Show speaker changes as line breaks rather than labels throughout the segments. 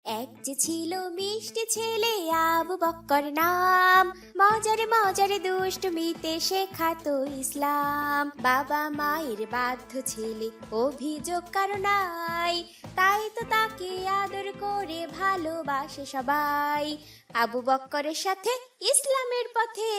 এক যে ছিল মিষ্টি ছেলে আবু বক্কর নাম, মজারে মজারে দুষ্টমিতে শেখাতো ইসলাম। বাবা মায়ের বাধ্য ছেলে, অভিযোগ কারো নাই, তাই তো তাকে আদর করে ভালোবাসে সবাই। আবু বক্করের সাথে ইসলামের পথে।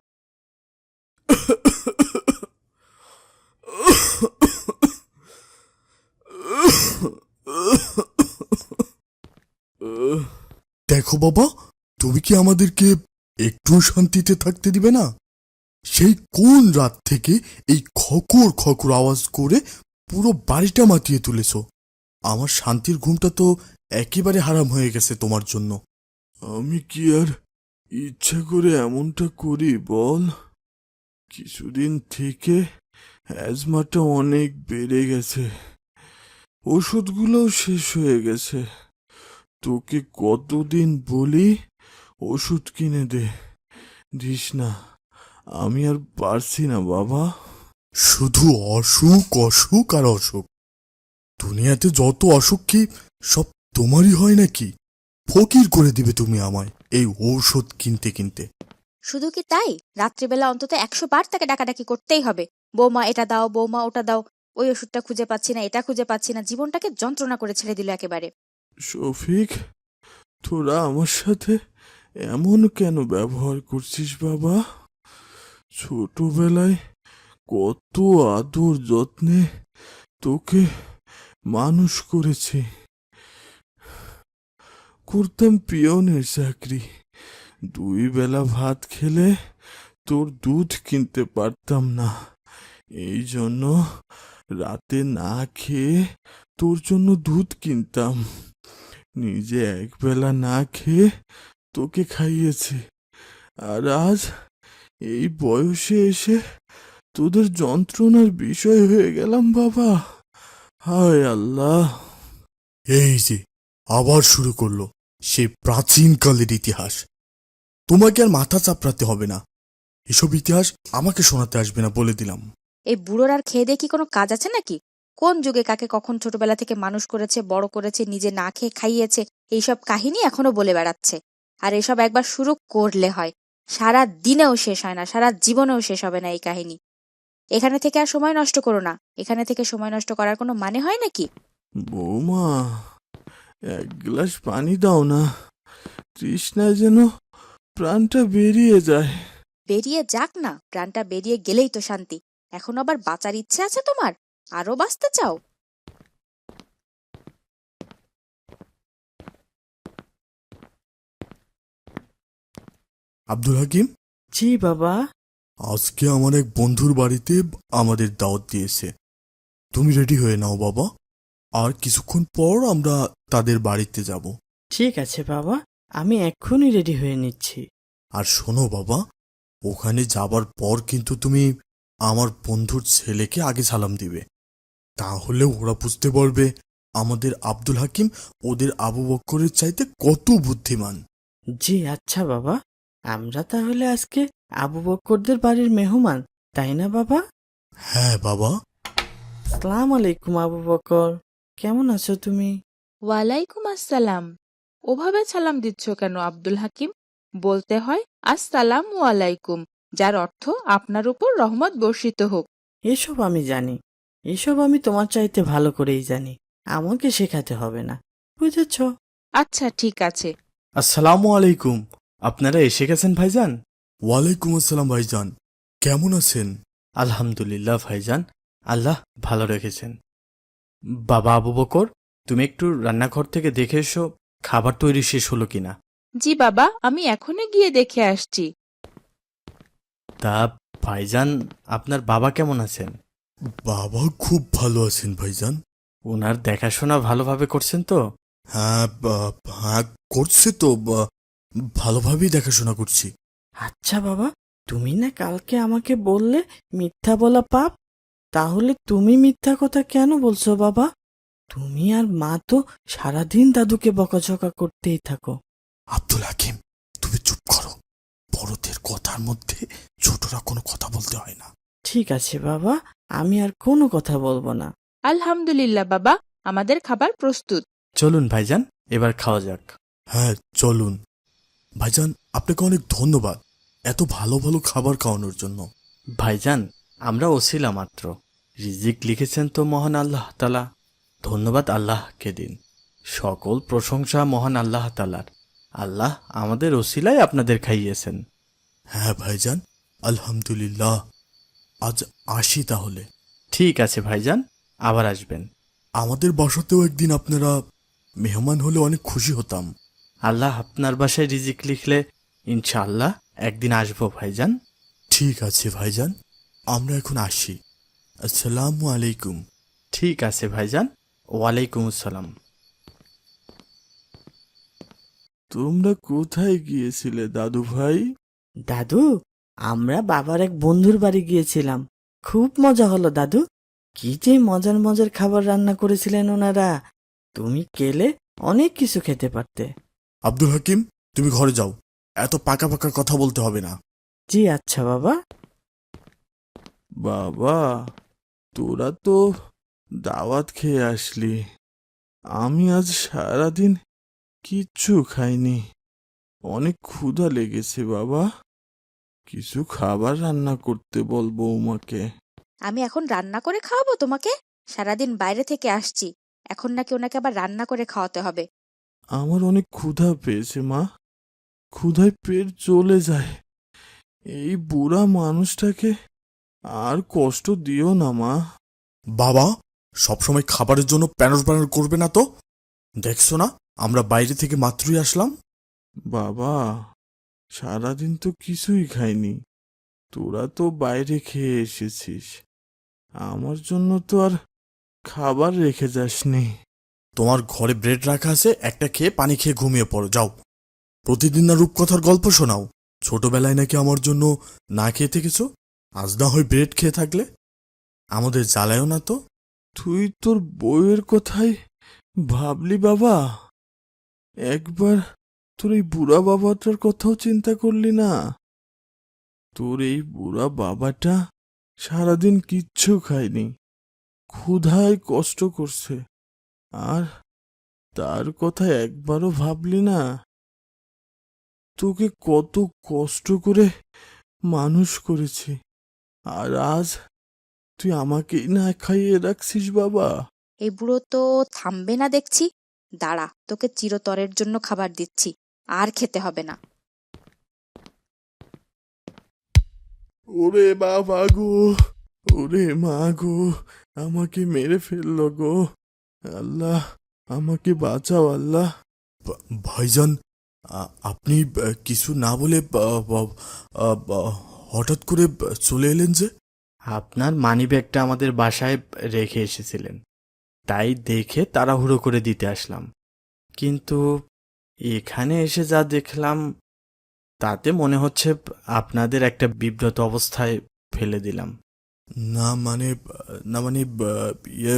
দেখো বাবা, তুমি কি আমাদেরকে একটু শান্তিতে থাকতে দিবে না? সেই কোন রাত থেকে এই খকর খকর আওয়াজ করে পুরো বাড়িটা মাতিয়ে তুলেছো। আমার শান্তির ঘুমটা তো একেবারে হারাম হয়ে গেছে তোমার জন্য। আমি কি আর ইচ্ছা করে এমনটা করি বল? কিছুদিন থেকে অ্যাজমাটা অনেক বেড়ে গেছে, ওষুধগুলোও শেষ হয়ে গেছে। তোকে কতদিন বলি ওষুধ কিনে দিস না, আমি আর পারছি না বাবা। শুধু অসুখ অসুখ আর অসুখ। দুনিয়াতে যত অসুখ কি সব তোমারই হয় নাকি? ফকির করে দিবে তুমি আমায় এই ঔষধ কিনতে কিনতে।
শুধু কি তাই, রাত্রিবেলা অন্তত 100 বার তাকে ডাকাডাকি করতেই হবে। বৌমা এটা দাও, বৌমা ওটা দাও, ওই ওষুধটা খুঁজে পাচ্ছি না, এটা খুঁজে পাচ্ছি না। জীবনটাকে যন্ত্রণা করে ছেড়ে দিল একেবারে।
শফিক, তোরা আমার সাথে এমন কেন ব্যবহার করছিস বাবা? ছোটবেলায় কত আদর যত্নে তোকে মানুষ করেছি। করতাম পিয়নের চাকরি, 2 বেলা ভাত খেলে তোর দুধ কিনতে পারতাম না। এই জন্য রাতে না খেয়ে তোর জন্য দুধ কিনতাম। নিজে 1 বেলা না খেয়ে তোকে খাইয়েছি। আর আজ এই বয়সে এসে তোদের যন্ত্রণার বিষয় হয়ে গেলাম বাবা। হায় আল্লাহ! এই যে আবার শুরু করলো সেই প্রাচীনকালের ইতিহাস। তোমাকে আর মাথা চাপড়াতে হবে না, এসব ইতিহাস আমাকে শোনাতে আসবে না বলে দিলাম।
এই বুড়োর আর খেয়ে দিয়ে কি কোনো কাজ আছে নাকি? কোন যুগে কাকে কখন ছোটবেলা থেকে মানুষ করেছে, বড় করেছে, নিজে না খেয়ে খাইয়েছে, এইসব কাহিনী এখনো বলে বেড়াচ্ছে। আর এসব একবার শুরু করলে হয়, সারা দিনেও শেষ হয় না, সারা জীবনেও শেষ হবে না এই কাহিনী। এখানে থেকে আর সময় নষ্ট করো না। এখানে থেকে সময় নষ্ট করার কোনো মানে হয় নাকি?
বৌমা, 1 গ্লাস পানি দাও না, তৃষ্ণায় যেন প্রাণটা বেরিয়ে যায়।
বেরিয়ে যাক না, প্রাণটা বেরিয়ে গেলেই তো শান্তি। এখন আবার বাঁচার ইচ্ছে আছে তোমার? আরো বাঁচতে চাও?
আব্দুল হাকিম,
জি বাবা।
আজকে আমার এক বন্ধুর বাড়িতে আমাদের দাওয়াত দিয়েছে। তুমি রেডি হয়ে নাও বাবা, আর কিছুক্ষণ পর আমরা তাদের বাড়িতে যাব।
ঠিক আছে বাবা, আমি এক্ষুনি রেডি হয়ে নিচ্ছি।
আর শোনো বাবা, ওখানে যাবার পর কিন্তু তুমি আমার বন্ধুর ছেলেকে আগে সালাম দিবে, তাহলে ওরা বুঝতে পারবে আমাদের আব্দুল হাকিম ওদের আবু বক্করের চাইতে কত বুদ্ধিমান।
জি আচ্ছা বাবা, আমরা তাহলে আজকে আবু বক্করদের বাড়ির মেহমান, তাই না বাবা?
হ্যাঁ বাবা।
আসসালামু আলাইকুম আবু বক্কর, কেমন আছো তুমি?
ওয়ালাইকুম আসসালাম। ওভাবে সালাম দিচ্ছ কেন আব্দুল হাকিম? বলতে হয় আসসালামু আলাইকুম, যার অর্থ আপনার উপর রহমত বর্ষিত হোক।
এসব আমি জানি, এসব আমি তোমার চাইতে ভালো করেই জানি, আমাকে শেখাতে হবে না, বুঝেছ?
আচ্ছা ঠিক আছে।
আসসালামু আলাইকুম, আপনারা এসে গেছেন ভাইজান?
ওয়ালাইকুম আসসালাম ভাইজান, কেমন আছেন?
আলহামদুলিল্লাহ ভাইজান, আল্লাহ ভালো রেখেছেন। বাবা আবু বকর, তুমি একটু রান্নাঘর থেকে দেখে এসো খাবার তৈরি শেষ হলো কিনা।
জি বাবা, আমি এখনই গিয়ে দেখে আসছি।
তা
ভাইজান, আপনার বাবা কেমন আছেন?
বাবা খুব ভালো আছেন ভাইজান।
ওনার দেখাশোনা ভালোভাবে করছেন তো?
হ্যাঁ হ্যাঁ, করছে তো, ভালোভাবেই দেখাশোনা করছি।
আচ্ছা বাবা, তুমি না কালকে আমাকে বললে মিথ্যা বলা পাপ, তাহলে তুমি মিথ্যা কথা কেন বলছো বাবা? তুমি আর মা তো সারাদিন দাদুকে বকাঝকা করতেই থাকো।
আব্দুল হাকিম, তুমি চুপ করো, বড়দের কথার মধ্যে ছোটরা কোনো কথা বলতে হয় না।
ঠিক আছে বাবা, আমি আর কোনো কথা বলবো না।
আলহামদুলিল্লাহ বাবা, আমাদের খাবার প্রস্তুত।
চলুন ভাইজান, এবার খাওয়া যাক।
হ্যাঁ চলুন। ভাইজান আপনাকে অনেক ধন্যবাদ এত ভালো ভালো খাবার খাওয়ানোর জন্য।
ভাইজান, আমরা ওসিলা মাত্র, রিজিক লিখেছেন তো মহান আল্লাহ তাআলা। ধন্যবাদ আল্লাহকে দিন। সকল প্রশংসা মহান আল্লাহ তাআলার। আল্লাহ আমাদের ওসিলায় আপনাদের খাইয়েছেন।
হ্যাঁ ভাইজান, আলহামদুলিল্লাহ। আজ আসি তাহলে।
ঠিক আছে ভাইজান, আবার আসবেন।
আমাদের বাসাতেও একদিন আপনারা মেহমান হলে অনেক খুশি হতাম।
আল্লাহ আপনার বাসায় রিজিক লিখলে ইনশাআল্লাহ একদিন আসবো ভাইজান।
ঠিক আছে ভাইজান, আমরা এখন আসি। আসসালামু আলাইকুম।
ঠিক আছে ভাইজান, ওয়ালাইকুম আসসালাম।
তোমরা কোথায় গিয়েছিলে দাদু ভাই?
দাদু, আমরা বাবার এক বন্ধুর বাড়ি গিয়েছিলাম। খুব মজা হলো দাদু। কি যে মজার মজার খাবার রান্না করেছিলেন ওনারা। তুমি গেলে অনেক কিছু খেতে পারতে।
আব্দুল হাকিম, তুমি ঘরে যাও, এত পাকা পাকা কথা বলতে হবে না।
জি আচ্ছা বাবা।
বাবা, তোরা তো দাওয়াত খেয়ে আসলি, আমি আজ সারাদিন কিচ্ছু খাইনি। অনেক ক্ষুধা লেগেছে বাবা, কিছু খাবার রান্না করতে বল বৌমাকে।
আমি এখন রান্না করে খাওয়াবো তোমাকে? সারাদিন বাইরে থেকে আসছি, এখন নাকি ওনাকে আবার রান্না করে খাওয়াতে হবে?
আমার অনেক ক্ষুধা পেয়েছে মা, ক্ষুধায় পেট চলে যায়। এই বুড়া মানুষটাকে আর কষ্ট দিও না মা। বাবা, সবসময় খাবারের জন্য প্যানর প্যানর করবে না তো। দেখছো না আমরা বাইরে থেকে মাত্রই আসলাম। বাবা, সারাদিন তো কিছুই খাইনি, তোরা তো বাইরে খেয়ে এসেছিস, আমার জন্য তো আর খাবার রেখে যাসনি। তোমার ঘরে ব্রেড রাখা আছে, একটা খেয়ে পানি খেয়ে ঘুমিয়ে পড়ো যাও। প্রতিদিন না রূপকথার গল্প শোনাও, ছোটবেলায় নাকি আমার জন্য না খেয়ে থেকেছ, আজ না হয় ব্রেড খেয়ে থাকলে। আমাদের জ্বালায়ও না তো। তুই তোর বউয়ের কথাই ভাবলি বাবা? একবার তোর এই বুড়া বাবাটার কথাও চিন্তা করলি না? তোর এই বুড়া বাবাটা সারাদিন কিচ্ছু খায়নি, ক্ষুধায় কষ্ট করছে, আর তার কথা একবারও ভাবলি না? তোকে কত কষ্ট করে মানুষ করেছি, আর আজ তুই আমাকেই না খাইয়ে রাখছিস বাবা।
এই বুড়ো তো থামবে না দেখছি। দাঁড়া, তোকে চিরতরের জন্য খাবার দিচ্ছি, আর খেতে হবে না।
ওরে বাবা গো, ওরে মা গো, আমাকে মেরে ফেললো গো। আল্লাহ, আমাকে বাঁচাও আল্লাহ। ভাইজান, আপনি কিছু না বলে হঠাৎ করে চলে এলেন যে?
আপনার মানিব্যাগটা আমাদের বাসায় রেখে এসেছিলেন, তাই দেখে তাড়াহুড়ো করে দিতে আসলাম। কিন্তু এখানে এসে যা দেখলাম তাতে মনে হচ্ছে আপনাদের একটা বিব্রত অবস্থায় ফেলে দিলাম।
না মানে, না মানে, ইয়ে,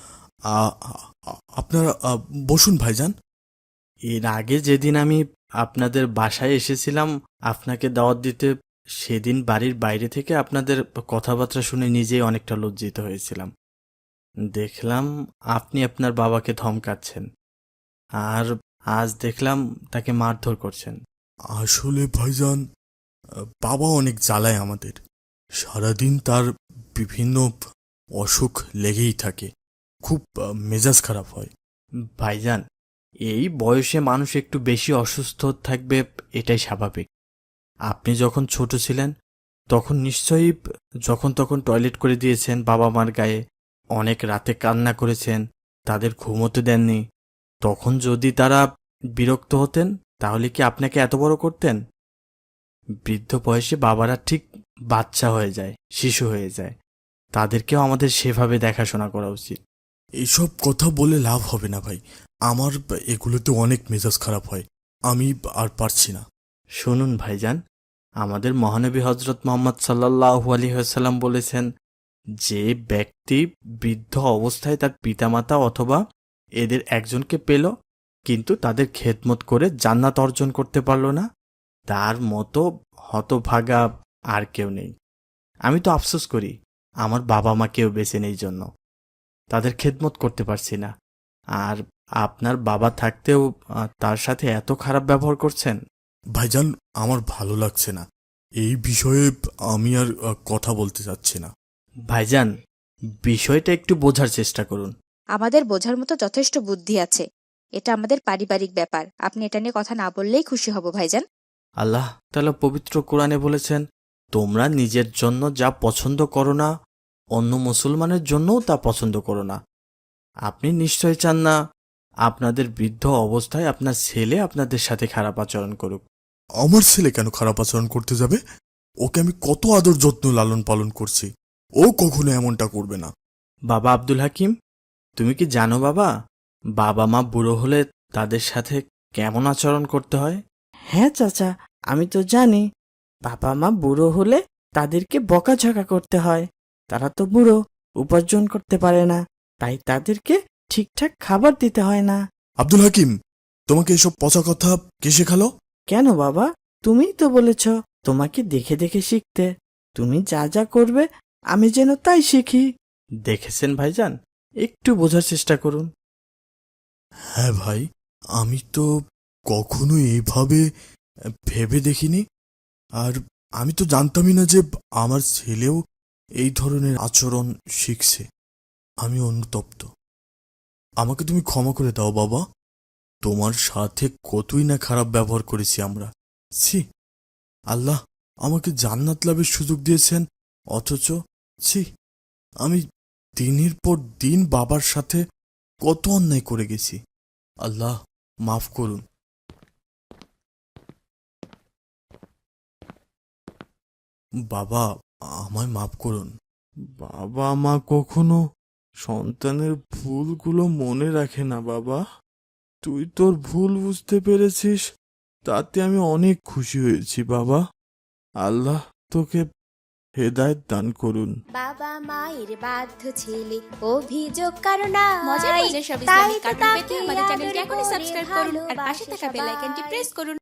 আপনারা বসুন ভাইজান।
এর আগে যেদিন আমি আপনাদের বাসায় এসেছিলাম আপনাকে দাওয়াত দিতে, সেদিন বাড়ির বাইরে থেকে আপনাদের কথাবার্তা শুনে নিজেই অনেকটা লজ্জিত হয়েছিলাম। দেখলাম আপনি আপনার বাবাকে ধমকাচ্ছেন, আর আজ দেখলাম তাকে মারধর করছেন।
আসলে ভাইজান, বাবা অনেক জ্বালায় আমাদের, সারাদিন তার বিভিন্ন অসুখ লেগেই থাকে, খুব মেজাজ খারাপ হয়।
ভাইজান, এই বয়সে মানুষ একটু বেশি অসুস্থ থাকবে, এটাই স্বাভাবিক। আপনি যখন ছোট ছিলেন তখন নিশ্চয়ই যখন তখন টয়লেট করে দিয়েছেন বাবা মার গায়ে, অনেক রাতে কান্না করেছেন, তাদের ঘুমোতে দেননি। তখন যদি তারা বিরক্ত হতেন তাহলে কি আপনাকে এত বড় করতেন? বৃদ্ধ বয়সে বাবারা ঠিক বাচ্চা হয়ে যায়, শিশু হয়ে যায়, তাদেরকেও আমাদের সেভাবে দেখাশোনা করা উচিত।
এসব কথা বলে লাভ হবে না ভাই, আমার এগুলোতে অনেক মেজাজ খারাপ হয়, আমি আর পারছি না।
শুনুন ভাইজান, আমাদের মহানবী হজরত মোহাম্মদ সাল্লাল্লাহু আলাইহি ওয়াসাল্লাম বলেছেন, যে ব্যক্তি বৃদ্ধ অবস্থায় তার পিতামাতা অথবা এদের একজনকে পেল কিন্তু তাদের খেদমত করে জান্নাত অর্জন করতে পারল না, তার মতো হতভাগা আর কেউ নেই। আমি তো আফসোস করি আমার বাবা মা কেউ বেঁচে নেই জন্য, তাদের খেদমত করতে পারছি না। আর আপনার বাবা থাকতেও তার সাথে এত খারাপ ব্যবহার করছেন?
ভাইজান, আমার ভালো লাগছে না। এই বিষয়ে আমি আর কথা বলতে চাচ্ছি না।
ভাইজান, বিষয়টা একটু বোঝার চেষ্টা করুন।
আমাদের বোঝার মতো যথেষ্ট বুদ্ধি আছে। এটা আমাদের পারিবারিক ব্যাপার, আপনি এটা নিয়ে কথা না বললেই খুশি হব ভাইজান।
আল্লাহ তাআলা পবিত্র কোরআনে বলেছেন, তোমরা নিজের জন্য যা পছন্দ করো না, অন্য মুসলমানের জন্যও তা পছন্দ করো না। আপনি নিশ্চয় চান না আপনাদের বৃদ্ধ অবস্থায় আপনার ছেলে আপনাদের সাথে খারাপ আচরণ করুক।
আমার ছেলে কেন খারাপ আচরণ করতে যাবে? ওকে আমি কত আদর যত্ন লালন পালন করছি। ও কখনো এমনটা করবে না।
বাবা আব্দুল হাকিম, তুমি কি জানো বাবা, বাবা মা বুড়ো হলে তাদের সাথে কেমন আচরণ করতে হয়?
হ্যাঁ চাচা, আমি তো জানি। বাবা মা বুড়ো হলে তাদেরকে বকাঝকা করতে হয়। তারা তো বুড়ো, উপার্জন করতে পারে না, তাই তাদেরকে ঠিকঠাক খাবার দিতে হয় না।
আব্দুল হাকিম, তোমাকে এসব পচা কথা কে শেখালো?
কেন বাবা, তুমিই তো বলেছ তোমাকে দেখে দেখে শিখতে। তুমি যা যা করবে আমি যেন তাই শিখি।
দেখেছেন ভাইজান, একটু বোঝার চেষ্টা করুন।
হ্যাঁ ভাই, আমি তো কখনো এইভাবে ভেবে দেখিনি। আর আমি তো জানতামই না যে আমার ছেলেও এই ধরনের আচরণ শিখছে। আমি অনুতপ্ত। আমাকে তুমি ক্ষমা করে দাও বাবা। তোমার সাথে কতই না খারাপ ব্যবহার করেছি আমরা। ছি, আল্লাহ আমাকে জান্নাত লাভের সুযোগ দিয়েছেন, অথচ ছি, আমি দিনের পর দিন বাবার সাথে কত অন্যায় করে গেছি। আল্লাহ মাফ করুন। বাবা, আমায় মাফ করুন। বাবা মা কখনো সন্তানের ভুলগুলো মনে রাখে না বাবা। তুই তোর ভুল বুঝতে পেরেছিস, তাতে আমি অনেক খুশি হয়েছি বাবা। আল্লাহ তোকে হেদায়েত দান করুন।
বাবা মায়ের বাধ্য ছেলে অভিযোগ কারণ
মজার মজার সব ইসলামিক কার্টুন পেতে আমাদের চ্যানেলটি এখনই সাবস্ক্রাইব করুন আর পাশে থাকা বেল আইকনটি প্রেস করুন।